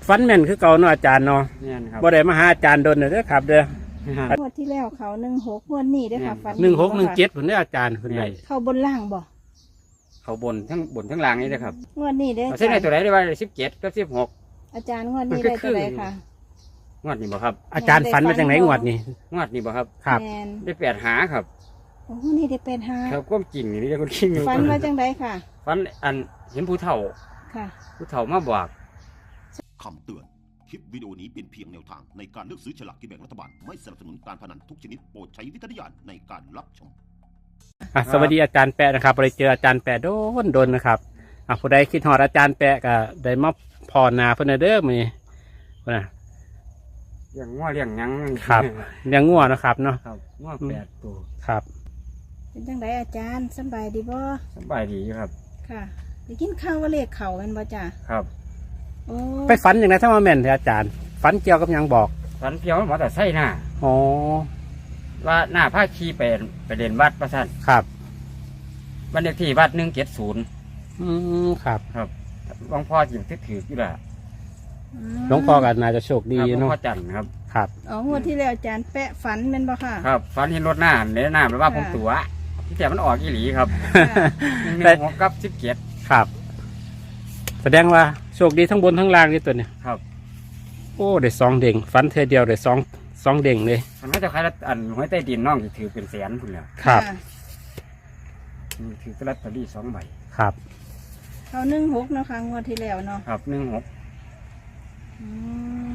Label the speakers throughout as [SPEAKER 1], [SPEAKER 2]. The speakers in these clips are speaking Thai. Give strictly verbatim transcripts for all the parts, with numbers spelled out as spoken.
[SPEAKER 1] ฟันแม่นคือเก่าเนาะอาจารย์เนาะ
[SPEAKER 2] เนี่ยนะครับ
[SPEAKER 1] บ่ได้มาหาอาจารย์โดนเด้อครับเด้อง
[SPEAKER 3] วดที่แล้วเขาหนึ่งหกงวดนี้เด้อค่ะฟัน
[SPEAKER 1] หนึ่งหกหนึ่งเจ็ดผลได้ออาจารย์คนใด
[SPEAKER 3] เข้าบนล่างบ่
[SPEAKER 2] เขาบนทั้งบนทั้งล่างนี่นะครับ
[SPEAKER 3] งวดนี้เด้อ
[SPEAKER 2] เอาเส้นในตัวไหนได้ว่าสิบเจ็ดกับสิบหก
[SPEAKER 3] อาจารย์งวดนี้ได้ตัวไหนค่ะ
[SPEAKER 2] งวดนี้บ่ครับ
[SPEAKER 1] อาจารย์ฝันมาจากไหนงวดนี้
[SPEAKER 2] งวดนี้บ่ครับ
[SPEAKER 1] ครับ
[SPEAKER 3] แมน
[SPEAKER 2] ได้แปดหาครับ
[SPEAKER 3] โอ้นี่ได้เป็นห้า
[SPEAKER 2] ครับก้มกิ่งนี่เรียกคนกิ่ง
[SPEAKER 3] ฟันมาจังไดค่ะ
[SPEAKER 2] ฟันอันเห็นผู้เฒ่า
[SPEAKER 3] ค่ะ
[SPEAKER 2] ผู้เฒ่ามาบอก
[SPEAKER 4] คำเตือน คลิปวิดีโอนี้เป็นเพียงแนวทางในการเลือกซื้อฉลากกินแบ่งรัฐบาล ไม่สนับสนุนการพนันทุกชนิดโปรดใช้วิจารณญาณในการรับชม
[SPEAKER 1] อ่ะสวัสดีอาจารย์แปะนะครับไปเจออาจารย์แปะโดนโดนนะครับอ่ะผู้ใดคิดฮอดอาจารย์แปะก็ได้มาพอนาเพิ่นเด้อมื้อนี้พุ่นน่ะ
[SPEAKER 2] เลี้ยงง้อเลี้ยงหยัง
[SPEAKER 1] ครับเลี้ยงงัวนะครับเนาะ
[SPEAKER 2] ครับง้อแปดตัว
[SPEAKER 1] ครับ
[SPEAKER 3] เป็นจังไดอาจารย์สำบายดีบ่
[SPEAKER 2] สบายดีอยู่ครับ
[SPEAKER 3] ค่ะได้กินข้าวว่าเลขเข่าแม่นบ่จ้ะ
[SPEAKER 2] ครับ
[SPEAKER 3] โอ้
[SPEAKER 1] ไปฝันอย่างไรถ้ามาแม่นเถอะอาจารย์ฝันเกี่ยวกับหยังบอก
[SPEAKER 2] ฟันเพียวหมอแต่ไส้หน้า
[SPEAKER 1] อ๋อ
[SPEAKER 2] ว่าหน้าผ้าขี้ไปไปเรียนวัดประสัน
[SPEAKER 1] ครับ
[SPEAKER 2] บันเลขที่วัดหนึ่งเจ็ดศูนย์
[SPEAKER 1] อืมครับ
[SPEAKER 2] ครับหลวงพ่อจิ๋วที่ถืออยู่แหละ
[SPEAKER 3] อืม
[SPEAKER 1] หลวงพ่อก็น่าจะโชคดี
[SPEAKER 2] ครับหลวง
[SPEAKER 1] เนาะ
[SPEAKER 2] พ่อจันทร์ครับ
[SPEAKER 1] ครับ
[SPEAKER 3] อ๋องวดที่แล้วอาจารย์แปะฝันแม่นบ่ค่ะ
[SPEAKER 2] ครับฟันเห็นรถหน้าเนื้อหน้าแปลว่าผม
[SPEAKER 3] ค่ะ
[SPEAKER 2] ตัวที่แต่มันออกอีหลีครับ
[SPEAKER 3] ค่ะ
[SPEAKER 2] หนึ่งหนึ่งหกกับสิบเจ็ด
[SPEAKER 1] ครับ แสดงว่าโชคดีทั้งบนทั้งล่างนี่ตัวเนี่ย
[SPEAKER 2] ครับ
[SPEAKER 1] โอ้ได้สองเด้งฝันเธอเดียวได้สองสองเด้งเลย
[SPEAKER 2] มันก็จะคล้ายๆอันหวยใต้ดินน้องที่ถือเป็นแสนคุณแล้ว
[SPEAKER 1] ครับ
[SPEAKER 3] ะ
[SPEAKER 2] ถือลอตเตอรี่สองใบ
[SPEAKER 1] ครับ
[SPEAKER 3] เขาหนึ่งหกเนาะค่ะงวดที่แล้วเนาะ
[SPEAKER 2] ครับหนึ่งหก
[SPEAKER 3] อืม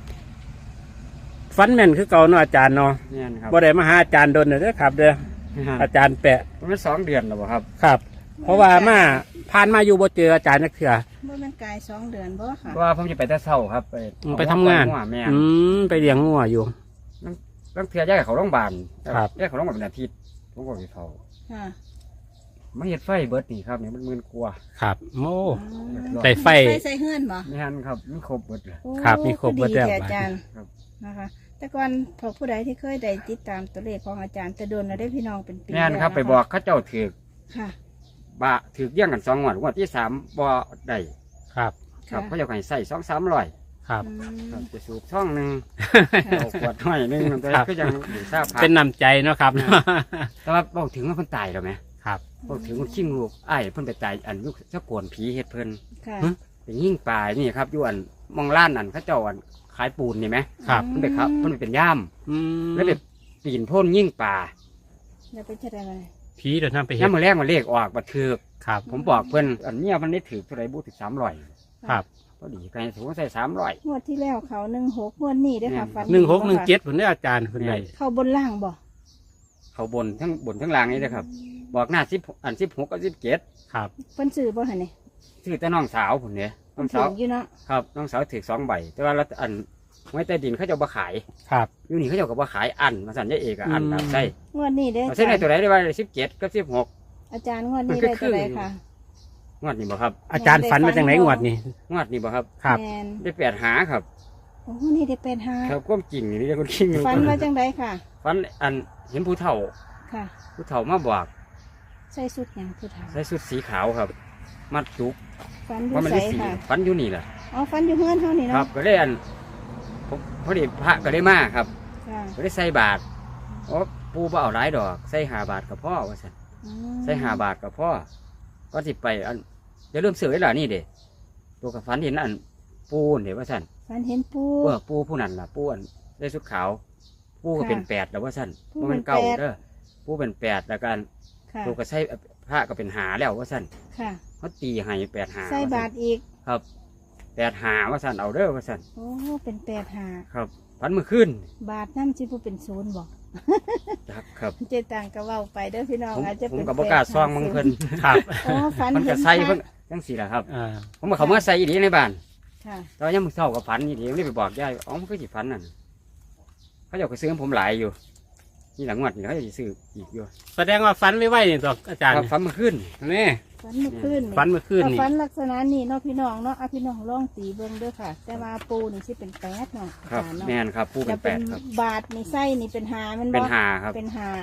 [SPEAKER 1] ฟันแม่นคือเก่าเนาะอาจารย์เนาะ
[SPEAKER 2] เนี่ยนะครับ
[SPEAKER 1] บ่ได้มาหาอาจารย์โดนเด้อครับเด้ออาจารย์แปะ
[SPEAKER 2] มันสองเดือนแล้วบ่ครับ
[SPEAKER 1] ครับ เพราะว่ามาผ่านมาอยู่บ่เจออาจารย์นักเถื่อ
[SPEAKER 3] บ่แม่นกายสองเดือนบ่ค่ะ
[SPEAKER 2] เพราะว่าผมจะไปแต่เช้าครับ ไป
[SPEAKER 1] อืมไปทำงาน
[SPEAKER 2] หัวแม่
[SPEAKER 1] อืมไปเลี้ยงงัวอยู่
[SPEAKER 2] ต้องเทื่อย้ายเขาโรงพยาบาล
[SPEAKER 1] ครับ
[SPEAKER 2] ย้ายเขาโรงพยาบาลเป็นอาทิตย์ผมก็ไปเขา
[SPEAKER 3] ค่ะ
[SPEAKER 2] ไม่เห็ดไฟเบิร์ดนี่ครับเนี่ยมันมืนกลัว
[SPEAKER 1] ครับโอ้
[SPEAKER 3] อืม
[SPEAKER 1] ได้ไฟ
[SPEAKER 3] ไฟใส่เฮือนบ่
[SPEAKER 2] ไม่ฮันครับมันครบเบิร์ดเลย
[SPEAKER 3] โอ้
[SPEAKER 1] ครับมีครบเบิดแล้ว
[SPEAKER 3] ดีแต่อาจารย์
[SPEAKER 2] ครับ
[SPEAKER 3] นะคะ แต่ก่อนพอผู้ใดที่เคยได้ติดตามตัวเลขของอาจารย์แต่โดนเราได้พี่น้องเป็นปี
[SPEAKER 2] แม่นครับ
[SPEAKER 3] แล้วะะ
[SPEAKER 2] ไปบอกเขาเจ้าถือก
[SPEAKER 3] ค่ะ
[SPEAKER 2] บะถือกเยี่ยงกันสองงวดงวดที่สามบ่ได้
[SPEAKER 1] ครับ
[SPEAKER 2] ครับ
[SPEAKER 3] ค่ะ
[SPEAKER 2] เขาเจะให้ใส่สองสามร้อย
[SPEAKER 1] ครับ
[SPEAKER 3] อืม
[SPEAKER 2] ครับจะสูบช่องหนึ่ง
[SPEAKER 3] ค่ะ
[SPEAKER 2] เอาขวดห้อยหนึ่งแต่
[SPEAKER 1] ครับ
[SPEAKER 2] ก็ยังอยู่ทราบผ่า
[SPEAKER 1] เป็นนำใจเนาะครับ
[SPEAKER 2] แต่ว่าบอกถึงว่าเพิ่นตายแล้วไหม
[SPEAKER 1] ครับ
[SPEAKER 2] บอกถึงคนชิงลูกอ้ายเพิ่นไปตายอันยุคเจ้าโกนผีเฮ็ดเพิ่น
[SPEAKER 3] ค่ะ
[SPEAKER 1] ฮะ
[SPEAKER 2] ไปยิ่งปลายนี่ครับอยู่อันมองล้านอันเขาเจ้าอันขายปูนนี่ไหม
[SPEAKER 1] ครับ
[SPEAKER 2] เพิ่นไปครับเพิ่นไปเป็นย่าม
[SPEAKER 1] อืม
[SPEAKER 2] แล้วไปปีนโพ่นยิ่งป่า
[SPEAKER 3] อย่าไปเชื่ออะไร
[SPEAKER 1] ผีเดินทางไปเห็
[SPEAKER 2] ย่าม
[SPEAKER 1] น
[SPEAKER 2] มาแรกมาเลขออกมาถือก
[SPEAKER 1] ครับ
[SPEAKER 2] ผมบอกเพิ่นอันเนี้ยมันได้ถือเท่าไหรบูถึงสามร้อย
[SPEAKER 1] ครับ
[SPEAKER 2] พอดีกันถือว่าใส่สามร้อย
[SPEAKER 3] งวดที่แล้วเขาหนึ่งหกงวดนี้ด้วยค่ะ
[SPEAKER 2] แม่น
[SPEAKER 3] ฟัน
[SPEAKER 1] หนึ่งหกหนึ่งเจ็ดผลได้ออาจารย์คนใด
[SPEAKER 3] เข้าบนล่างบ่
[SPEAKER 2] เขาบนทั้งบนทั้งล่างนี่นะครับบอกหน้าสิบอันสิบหกกับสิบเจ็ด
[SPEAKER 1] ครับ
[SPEAKER 3] เพิ่นซื้อบ่หั่นนี่
[SPEAKER 2] ชื่อแต่น้องสาวผมเนี่ยน้
[SPEAKER 3] เพิ่
[SPEAKER 2] อน ง
[SPEAKER 3] ถื
[SPEAKER 2] สาว
[SPEAKER 3] ออยู่เนาะ
[SPEAKER 2] ครับน้องสาวถือสองใบ แต่ว่ารัฐอันไว้ใต้ดินเขาเจะบ่ขาย
[SPEAKER 1] ครับ
[SPEAKER 2] อยู่นี่เขาเจะก็บ่ขายอันมาสั่นยายเอกอะอัน
[SPEAKER 1] อืม
[SPEAKER 2] แบบใส่
[SPEAKER 3] งวดนี้เด้อ
[SPEAKER 2] เอาเส้นในตัวไหนได้ว่าสิบเจ็ดกับสิบหก
[SPEAKER 3] อาจารย์งวดนี้ได้ตัวใดค่ะ
[SPEAKER 2] งวดนี้บ่ครับ
[SPEAKER 1] อาจารย์ฝันมาจากไหนงวดนี้
[SPEAKER 2] งวดนี้บ่ครับ
[SPEAKER 1] ครับ
[SPEAKER 3] แมน
[SPEAKER 2] ได้แปดหาครับ
[SPEAKER 3] โอ้นี่ได้เป็นห้า
[SPEAKER 2] ครับก้มกิ่งนี่เรียกคนกิ่ง
[SPEAKER 3] ฟันมาจังไดค่ะ
[SPEAKER 2] ฟันอันเห็นผู้เฒ่า
[SPEAKER 3] ค่ะ
[SPEAKER 2] ผู้เฒ่ามาบอก
[SPEAKER 3] ใส่สุดหยังผู้เฒ่า
[SPEAKER 2] ใส่ชุดสีขาวครับ มัดจุก
[SPEAKER 3] ฟันอยู่
[SPEAKER 2] ว่ามัน
[SPEAKER 3] ใส่
[SPEAKER 2] ได้สี
[SPEAKER 3] ค่ะ
[SPEAKER 2] ฟันอยู่นี่แหละ
[SPEAKER 3] อ๋อฟันอยู่เฮือนเฮานี่
[SPEAKER 2] ครั
[SPEAKER 3] เนาะ
[SPEAKER 2] บก็ได้อันผมพอดีพระก็ได้มาครับ
[SPEAKER 3] ค่ะ
[SPEAKER 2] ก็ได้ใส่บาทโอ้ปูบ่เอาหลายดอกใส่หาบาทกับพ่อว่าสัน
[SPEAKER 3] อืม
[SPEAKER 2] ใส่หาบาทกับพ่อก็สิไปอันจะเริ่าลืมเสือไว้ล่ะนี่เด้ตัวกับฟันเห็นอันปูนเดี๋ยวว่าสัน
[SPEAKER 3] ฟันเห็นปู
[SPEAKER 2] เออปูผู้นั้นล่ะปูอันได้ชุดขาวปูก็
[SPEAKER 3] ค่ะ
[SPEAKER 2] เป็นแปดแล้วว่าสัน
[SPEAKER 3] ปู
[SPEAKER 2] บ่
[SPEAKER 3] เป็
[SPEAKER 2] มัน นเก่า
[SPEAKER 3] แปด
[SPEAKER 2] เด้อปูเป็นแปดแล้วกัน
[SPEAKER 3] ค่ะ
[SPEAKER 2] ตัวก็ใส่พระก็เป็นหาแล้วว่าสัน
[SPEAKER 3] ค่ะ
[SPEAKER 2] เขาตีให้แปดหา
[SPEAKER 3] ใส่บาทอีก
[SPEAKER 2] ครับแปดหาว่าสันเอาเด้อว่าสัน
[SPEAKER 3] โอ้เป็นแปดหา
[SPEAKER 2] ครับพันมือขึ้น
[SPEAKER 3] บาทน้ำจิบุเป็นศูนย์บอก
[SPEAKER 2] ครับครับ
[SPEAKER 3] เจตังก็เว้าไปเด้อพี่น้อง
[SPEAKER 2] ผม
[SPEAKER 3] อาจจะ
[SPEAKER 2] ผม
[SPEAKER 3] เป็น
[SPEAKER 2] กับบกล้าซองมึงเพิ่น
[SPEAKER 1] ครับ
[SPEAKER 3] โอ้ฟัน
[SPEAKER 2] มัน
[SPEAKER 3] เห็
[SPEAKER 2] ก็
[SPEAKER 3] น
[SPEAKER 2] ใส่
[SPEAKER 3] พระ
[SPEAKER 2] เพิ่นจังสี่แหละครับ
[SPEAKER 1] อ่า
[SPEAKER 2] ผมมาเขามาใส่อีดีในบ้าน
[SPEAKER 3] ค่ะ
[SPEAKER 2] ตอนยังมึงเศร้ากับฝันอีดีไม่ได้ไปบอกยายอ๋อมันก็สิฝันนั่นเขาจะเอาไปซื้อให้ผมหลายอยู่นี่หลังวัดนี่เขาจะซื้ออีกอยู่
[SPEAKER 1] แสดงว่าฝันไม่ไหวนี่ตัวอาจารย์
[SPEAKER 2] ครับฝันมาขึ้น
[SPEAKER 1] นี่
[SPEAKER 3] ฟันเมื่อคืน
[SPEAKER 1] ฝันเมื่อคืน
[SPEAKER 3] ถ้า
[SPEAKER 1] นี่
[SPEAKER 3] ฟันลักษณะนี้เนาะพี่น้องเนาะเอาพี่น้องลองตีเบิ่งเด้อค่ะ แต่ว่าปูนี่สิเป็นแปดเนาะ
[SPEAKER 2] ครับ
[SPEAKER 3] อาจารย์เนาะ
[SPEAKER 2] แม่นครับผู้เป็
[SPEAKER 3] จะ
[SPEAKER 2] นแป
[SPEAKER 3] เป็น
[SPEAKER 2] ดครับ
[SPEAKER 3] บาทนี่ไส้นี่เป็นหามันบ่
[SPEAKER 2] เป็นหาครับ
[SPEAKER 3] เป็นหา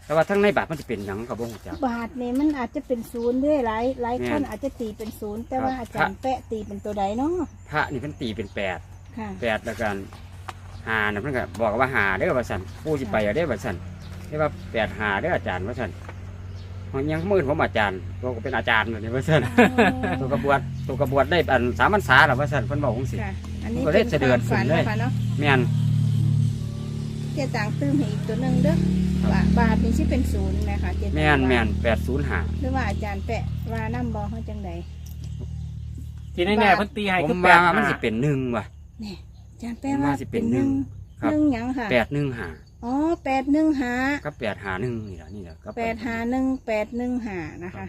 [SPEAKER 2] แต่ว่าทั้งในบาทมันจะเป็นหยังกับบ่ฮู้จัก
[SPEAKER 3] บาทนี่มันอาจจะเป็นศูนย์ด้วยหลายหลาย
[SPEAKER 2] แม่
[SPEAKER 3] คน
[SPEAKER 2] น
[SPEAKER 3] อาจจะตีเป็นศูนย์แต่ว่า
[SPEAKER 2] ครับ
[SPEAKER 3] อาจารย์แปะตีเป็นตัวใดเนาะ
[SPEAKER 2] พระนี่เพิ่นตีเป็นแปด
[SPEAKER 3] ค่ะ
[SPEAKER 2] แปดแล้วกันหาน่ะเพิ่นก็บอกว่าหาเด้อว่าซั่นปู่สิไปเอาเด้อว่าซั่นเรียกว่าแปดหาเด้ออาจารย์ว่าซั่นมันยังมื้อผมอาจารย์ตัวก็เป็นอาจารย์นั่นนี่ว่าซั่นตัวกระบวดตัวกระบวดได้อันสามพรรษาแล้วว่าซั่นเพิ่นบอกจังซี่
[SPEAKER 3] ค่ะ อันนี้
[SPEAKER 2] ก็ได้
[SPEAKER 3] เป็น
[SPEAKER 2] เสด็
[SPEAKER 3] ควา
[SPEAKER 2] จ
[SPEAKER 3] มฝัน
[SPEAKER 2] ขึ้นเลย
[SPEAKER 3] นะคะเนาะ
[SPEAKER 2] แม่น
[SPEAKER 3] เจ๊ต่างตื้มให้อีกตัวหนึ่งเด้อว่าบาทนี่สิเป็นศูนย์นะคะเจ๊ต่าง
[SPEAKER 2] แม่น
[SPEAKER 3] ว่า
[SPEAKER 2] แม่นแปดศูนย์ห้า
[SPEAKER 3] หรือว่าอาจารย์แปะว่าน้ำบอเขาจังใด
[SPEAKER 1] ทีนี้แน่เพิ่นตีให้
[SPEAKER 2] ผ
[SPEAKER 1] คือ
[SPEAKER 2] ม
[SPEAKER 1] แป
[SPEAKER 2] ว่า
[SPEAKER 1] ด
[SPEAKER 2] มัน
[SPEAKER 1] ห้า
[SPEAKER 2] สิเป็นหนึ่งว่ะ
[SPEAKER 3] เนี่ยอาจารย์แปะ
[SPEAKER 2] ผม
[SPEAKER 3] ว่า
[SPEAKER 2] ว่าสิเป็
[SPEAKER 3] เป็น
[SPEAKER 2] น
[SPEAKER 3] หนึ่ง
[SPEAKER 2] ครับ
[SPEAKER 3] หนึ่งหยังค่ะ
[SPEAKER 2] แปดหนึ่งห้า
[SPEAKER 3] อ๋อแปดหนึ่งหา
[SPEAKER 2] ก็แปดหาหนึ่งนี่แหละนี่แหละก็
[SPEAKER 3] แปดหาหนึ่งแปดหนึ่งหานะคะ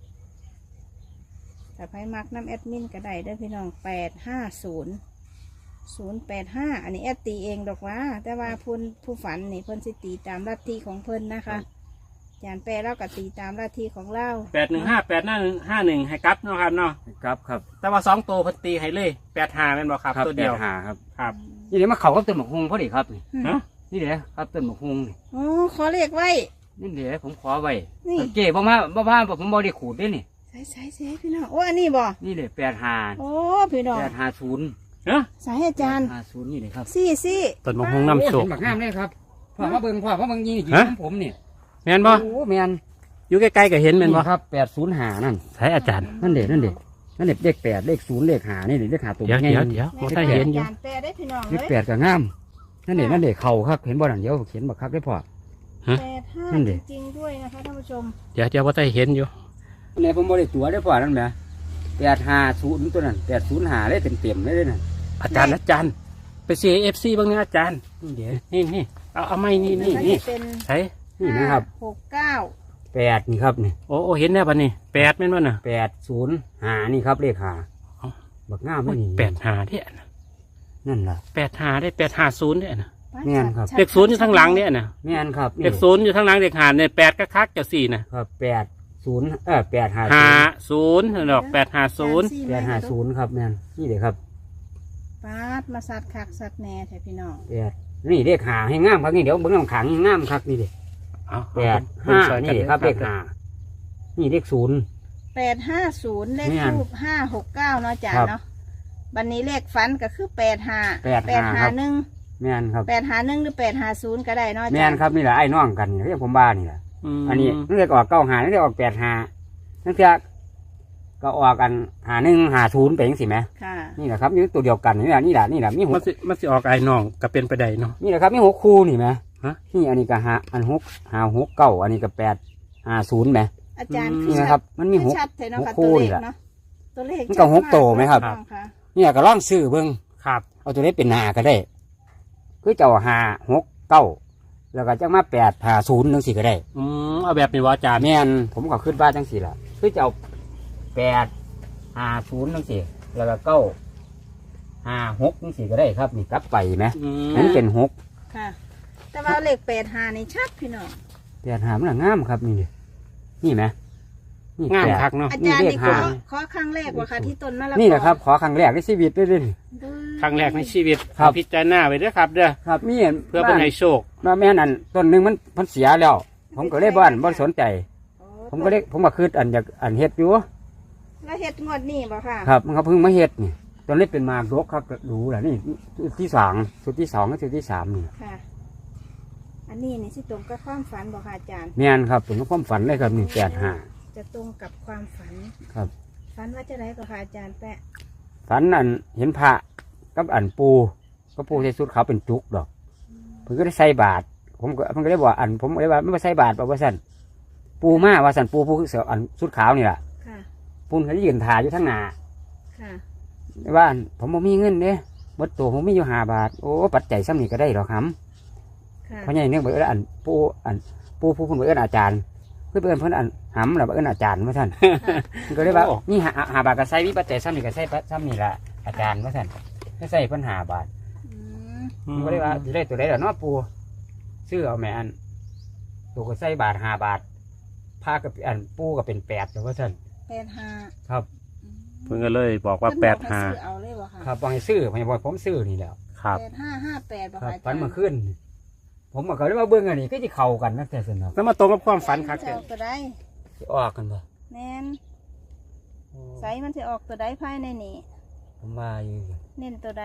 [SPEAKER 3] แต่ไพ่มักน้ำแอดมินก็ได้เด้อพี่น้องแปดห้าศูนย์ศูนย์แปดห้าอันนี้แอดตีเองดอกว่า แต่ว่าพูนผู้ฝันนี่เพิ่นสิตีตามลัทธิของเพิ่นนะคะอาจารย์แปะเล่ากับตีตามลัทธิของเล่า
[SPEAKER 1] แปดหนึ่งห้าแปดหน้าหนึ่งห้าหนึ่งให้กลับเนาะครับเนาะ
[SPEAKER 2] ครับครับ
[SPEAKER 1] แต่ว่าสองตัวเพิ่นตีให้เลยแปดห้าแม่นบ่ครับ
[SPEAKER 2] ครับ
[SPEAKER 1] ตัว
[SPEAKER 2] แป
[SPEAKER 1] เดีย
[SPEAKER 2] ด
[SPEAKER 1] ว
[SPEAKER 2] หาครับ
[SPEAKER 1] ครับ
[SPEAKER 2] นี่เดี๋ยวมาเขากับต้นหมกฮงพอดีครับนี่
[SPEAKER 1] ฮะ
[SPEAKER 2] นี่เดี๋ยวครับต้นหมกฮงนี่
[SPEAKER 3] อ๋อขอเลขไว้
[SPEAKER 2] นี่เดี๋ยวผมขอไว้
[SPEAKER 3] นี่
[SPEAKER 2] เจ๊บ่มาบ่มาผมบ่ได้ขูดด้วยนี่
[SPEAKER 3] ใส่ใส่ใส่พี่น้องโอ้อันนี้บ่
[SPEAKER 2] นี่เลยแปดหา
[SPEAKER 3] โอ้พี่น้อง
[SPEAKER 2] แปดหาศูนย์
[SPEAKER 1] เนาะ
[SPEAKER 3] สายอาจารย์
[SPEAKER 2] หาศูนย์นี่เลยครับ
[SPEAKER 3] ซี่ซี่
[SPEAKER 1] ต้นมะฮงน้ำโชก
[SPEAKER 2] โอ้เห็นบักงามเลยครับพ่อมาเบิ่งพ่อมาเบิ่งยี่นี่กี่
[SPEAKER 1] ฮะ
[SPEAKER 2] ของผมนี่
[SPEAKER 1] แม่นบ่
[SPEAKER 2] โอ้แม่น
[SPEAKER 1] อยู่ใกล้ๆก็เห็นแม่นบ่
[SPEAKER 2] ครับแปดศูนย์หานั่น
[SPEAKER 1] ใช่อาจารย์
[SPEAKER 2] นั่นเด็นั่นเด็นั่นเด็เลขแปดเลขศูนย์เลขหานี่เด็เลขหาตัว
[SPEAKER 1] เดี๋ยว
[SPEAKER 2] ง่าย
[SPEAKER 1] เดี๋ยวเดี๋ยวบ่ได้เห็นอยู่
[SPEAKER 3] อาจารย์แปลได้พี่น้อง
[SPEAKER 2] เล
[SPEAKER 3] เล
[SPEAKER 2] ข
[SPEAKER 3] ย
[SPEAKER 2] แปดก็งามนั่นเด็นั่นเด็เข่าครับเห็นบ่นั่นเดี๋ยวเขียนบักคักได้พอ
[SPEAKER 3] แปดห้า
[SPEAKER 2] นั่นดิ
[SPEAKER 3] จริงๆด้วยนะคะท่านผู้ชม
[SPEAKER 1] เดี๋ยวเดี๋ยวบ่ได้เห็นอยู่
[SPEAKER 2] เนี่ยผมบ่ได้ตัวได้พอนั่นแหมแปดหาศูนย์ตัวนั้นแปดศูนย์หาเลยเต็มเต็มๆเลยนั่น
[SPEAKER 1] อาจารย์อาจารย์ไปเสียเอฟซีบ้างนะอาจารย์
[SPEAKER 2] นี่เดี๋ยว
[SPEAKER 1] นี่นี่เอาเอาไม่นี่นี่
[SPEAKER 3] แล้ว
[SPEAKER 1] นี่
[SPEAKER 3] จะเป็น
[SPEAKER 1] ใช่
[SPEAKER 2] นี่นะครับ
[SPEAKER 3] หกเก้า
[SPEAKER 2] แปดนี่ครับนี่
[SPEAKER 1] โอ้โอ้เห็นแล้วปะนี่แปดแม่นบ่น่ะ
[SPEAKER 2] แปดศูนย์หานี่ครับเลขหา
[SPEAKER 1] เอ้า
[SPEAKER 2] บักงามเลยนี่
[SPEAKER 1] แปดหาเด้อน่ะ
[SPEAKER 2] นั่นล่ะ
[SPEAKER 1] แปดหาได้แปดหาศูนย์เด้อน่ะ
[SPEAKER 2] แม่นครับ
[SPEAKER 1] เลขศูนย์อยู่ข้างหลังเนี่ยน่ะ
[SPEAKER 2] แม่นครับนี่
[SPEAKER 1] เลขศูนย์อยู่ข้างหลังเลขหาเนี่ยแปดก็คักจะสี่น่ะ
[SPEAKER 2] ครับแปดศูนย์เออแปดหา
[SPEAKER 1] หาศูนย์ดอกแปดหาศูนย์
[SPEAKER 2] แปดหาศูนย์ครับแม่นนี่เดี๋ยวครับ
[SPEAKER 3] ปาดมาสัตว์คักสัตว์แหน่แท้พี่น้อง
[SPEAKER 2] แปดนี่เลขหาให้งามครับนี่เดี๋ยวเบิ้งน้ำขังงามครับนี่เด็
[SPEAKER 1] เอา
[SPEAKER 2] แปดห้านี่ครับเลขหานี่เลขศูนย์
[SPEAKER 3] แปดห้าศูนย์เลข
[SPEAKER 2] แม่น
[SPEAKER 3] ทูบห้าหกเก้าเนาะอาจาร
[SPEAKER 2] ครั
[SPEAKER 3] ย์
[SPEAKER 2] บ
[SPEAKER 3] เนาะบันนี้เลขฝันก็คือแปดห้า
[SPEAKER 2] แปดห้าครับ
[SPEAKER 3] หนึ่ง
[SPEAKER 2] แม่นครับ
[SPEAKER 3] แปดหาหนึ่งหรือแปดหาศูนย์ก็ได้เนาะอา
[SPEAKER 2] แม่
[SPEAKER 3] จาร
[SPEAKER 2] น
[SPEAKER 3] ย์
[SPEAKER 2] ครับนี่แหละไอ้น้องกันนี่เรียกผมบ้านี่แหละ
[SPEAKER 1] ม
[SPEAKER 2] อันนี้นั่นเรียกออกเก้าหานั่นเรียกออกแปดหานั่นคือก็ออกกันหาหนึ่งหาศูนย์ไปยังสิไหม
[SPEAKER 3] ค่ะ
[SPEAKER 2] นี่แหละครับนี่ตัวเดียวกันนี่แหละนี่แหละนี่แหละมีห
[SPEAKER 1] มัน
[SPEAKER 2] ก
[SPEAKER 1] สิมันสิออกไอ้น้องก็เป็นไปได้เนาะ
[SPEAKER 2] นี่แหละครับมีหกคู่นี่ไหม
[SPEAKER 1] ฮะ
[SPEAKER 2] นี่อันนี้ก็หาอันหกหาหกเก้าอันนี้ก็แปดหาศูนย์ไหม
[SPEAKER 3] อาจารย์
[SPEAKER 2] นี่นะครับ มันมีหก
[SPEAKER 3] ชัดเลยเนาะค่ะ
[SPEAKER 2] หกคู่
[SPEAKER 3] ตัวเล
[SPEAKER 2] นี่
[SPEAKER 3] ข
[SPEAKER 2] แหละ
[SPEAKER 3] เนาะตัวเลข
[SPEAKER 2] มันก็หกโตไหมครับ
[SPEAKER 3] ชัดากค่ะ
[SPEAKER 2] นี่ก็ล่องซื้อเบิ้ง
[SPEAKER 1] ครับ
[SPEAKER 2] เอาตัวนี้เป็นหาก็ได้คือเจ้าหาหกเก้าแล้วก็จังมาแปดหาศูนย์นึงสิก็ได้
[SPEAKER 1] อืมเอาแบบนี้ว่าอาจารย์
[SPEAKER 2] แม่นผมก็ขึ้นบ้านจังสี่ละคือเจ้าแปดหาศูนย์นึงสิแล้วก็เก้าหาหกนึงสิก็ได้ครับนี่กลับไปไหม
[SPEAKER 1] อืม
[SPEAKER 2] นั่นเป็นหก
[SPEAKER 3] ค่ะ แต่ว่าเลขแปดหานี่ชัดพี่น้อง
[SPEAKER 2] แปดหามันน่ะงามครับนี่ดินี่ไหมนี่
[SPEAKER 1] งาม
[SPEAKER 2] แปด
[SPEAKER 1] คักเนาะ
[SPEAKER 3] อาจารย์
[SPEAKER 2] นี่
[SPEAKER 3] นี่
[SPEAKER 2] เลข
[SPEAKER 3] ขอ
[SPEAKER 2] ห้า
[SPEAKER 3] ขอครั้งแรกว่าค่ะที่ต้นมะละกอ
[SPEAKER 2] นี่แหละครับ ขอครั้งแรกในชีวิตด้วยดิ
[SPEAKER 1] ครั้งแรกในชีวิต
[SPEAKER 2] ครับ
[SPEAKER 1] พิจารณาไว้เด้อครับเด้อ
[SPEAKER 2] ครับมีเห็น
[SPEAKER 1] เพื่อเป็นให้โชค
[SPEAKER 2] มาแม่นั่นต้นหนึ่งมันมันเสียแล้ว ผมก็เลยบ้านบ่สนใจ
[SPEAKER 3] โอ้
[SPEAKER 2] ผมก็เลยผมก็คืดอันอยากอันเฮ็ดอยู่
[SPEAKER 3] แล้วเฮ็ดงวดนี่บ่ค่ะ
[SPEAKER 2] ครับมันก็เพิ่งมาเฮ็ดนี่ตอนนี้เป็นมากรกครับดูแหละนี่ชุดที่สองชุดที่สองกับชุดที่สามนี่
[SPEAKER 3] ค่ะ อันนี้นี่สิตรงกับความฝันบ่ค่ะอาจารย์
[SPEAKER 2] แม่นครับผมก็ความฝันเลยครับนี่แปดห้า
[SPEAKER 3] จะตรงกับความฝัน
[SPEAKER 2] ครับ
[SPEAKER 3] ฝันว่าจะไรก็ค่ะอาจารย์แปะ
[SPEAKER 2] ฝันอันเห็นพระกับอันปูก็ปูใส่ชุดขาวเป็นจุกดอกเพิ่นก็ได้ใส่บาตรผมก็มันก็ได้บอกอันผมก็ได้ว่าไม่มาใส่บาตรบอกว่าสั่นปูมาว่าสั่นปูปูคือเสืออันชุดขาวนี่แหละ
[SPEAKER 3] ค่ะ
[SPEAKER 2] ปูนเขาจะยืนถ่ายอยู่ทั้งหน้า
[SPEAKER 3] ค่ะ
[SPEAKER 2] ว่าอันผมบ่มีเงินเด้หมดตัวผมมีอยู่ห้าบาทโอ้ปัจจัยซ้ำนี่ก็ได้หรอกครับ
[SPEAKER 3] ค่ะ
[SPEAKER 2] เพราะอย่างนี้เบิดอันปูอันปูผู้คนเบิดอาจารย์เพื่อนเพื่อนเพื่อนอันหำหรือเบิดอาจารย์มาท่าน มันก็เลยว่านี่หาหาบาทก็ใส่วิปัจจัยซ้ำนี่ก็ใส่ซ้ำนี่ละอาจารย์มาท่านก็ใส่เพิ่นหาบาท
[SPEAKER 3] อืม
[SPEAKER 2] มันก็เลยว่าจะได้ตัวใดเดี๋ยวน้อปูซื้อเอาแม่อันตัวก็ใส่บาทหาบาทผ้ากับอันปูก็เป็นแปดแต่ว่าท่าน
[SPEAKER 3] แปดห้า
[SPEAKER 2] ครับ
[SPEAKER 1] เพิ่นก็เลยบอกว่า
[SPEAKER 3] เพิ่น
[SPEAKER 1] แป
[SPEAKER 3] บ
[SPEAKER 1] ด
[SPEAKER 3] อกให้
[SPEAKER 1] ห้า
[SPEAKER 3] ซื้อเอาเลยบ่ค่ะ
[SPEAKER 2] ครับบอกให้ซื้อผมบอกผมซื้อนี่แหล้ว
[SPEAKER 1] ครับ
[SPEAKER 3] แปดห้าห้าแปดบ่
[SPEAKER 2] ครับ
[SPEAKER 3] ค่ะอา
[SPEAKER 2] ฝั
[SPEAKER 3] จาน รย์
[SPEAKER 2] เมื่อคืนผมก็เลยว่าเบิ่งอันนี้ก็จะเข้ากันนักแต่สนอก
[SPEAKER 1] แล้วมาตรงกับความฝันครับ
[SPEAKER 3] ใส่มันสิออกตัวใด
[SPEAKER 2] สิออกกันบ่
[SPEAKER 3] แม่นใส่มันสิออกตัวใดภายในนี่
[SPEAKER 2] ผมว่าอยู่
[SPEAKER 3] เน้นตัวใด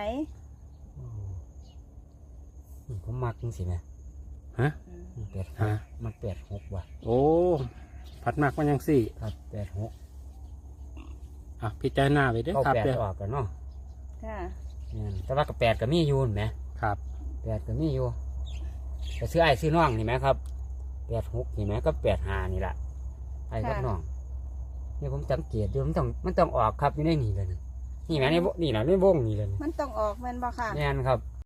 [SPEAKER 2] อืมผมมักจังสิแม่
[SPEAKER 1] ฮะ
[SPEAKER 2] แปด
[SPEAKER 1] ฮะ
[SPEAKER 2] มันแปดหกว่ะ
[SPEAKER 1] โอ้พัดมากมันยังสี่
[SPEAKER 2] ครับแปดหก
[SPEAKER 1] อ่ะพิจารณาไปเด้อ
[SPEAKER 2] เข้า
[SPEAKER 1] ครับ
[SPEAKER 2] แปด
[SPEAKER 1] เด้อ
[SPEAKER 2] ออกกันเนาะ
[SPEAKER 3] ค่ะ
[SPEAKER 2] เนี่ยแต่ว่ากับแปดก็มีอยู่เห็นไหม
[SPEAKER 1] ครับ
[SPEAKER 2] แปดก็มีอยู่แต่ซื้อไอ้ซื้อน้องนี่ไหมครับแปดหกนี่ไหมก็แปดห้านี่แหละไอ้กับน้องนี่ผมสังเกตดูมันต้องมันต้องออกครับอยู่ในนี่เลยนี่นี่แหมในวนี่แหละในวงนี่เลย
[SPEAKER 3] มันต้องออกแม่นบ่ค่ะ
[SPEAKER 2] นี่นครับ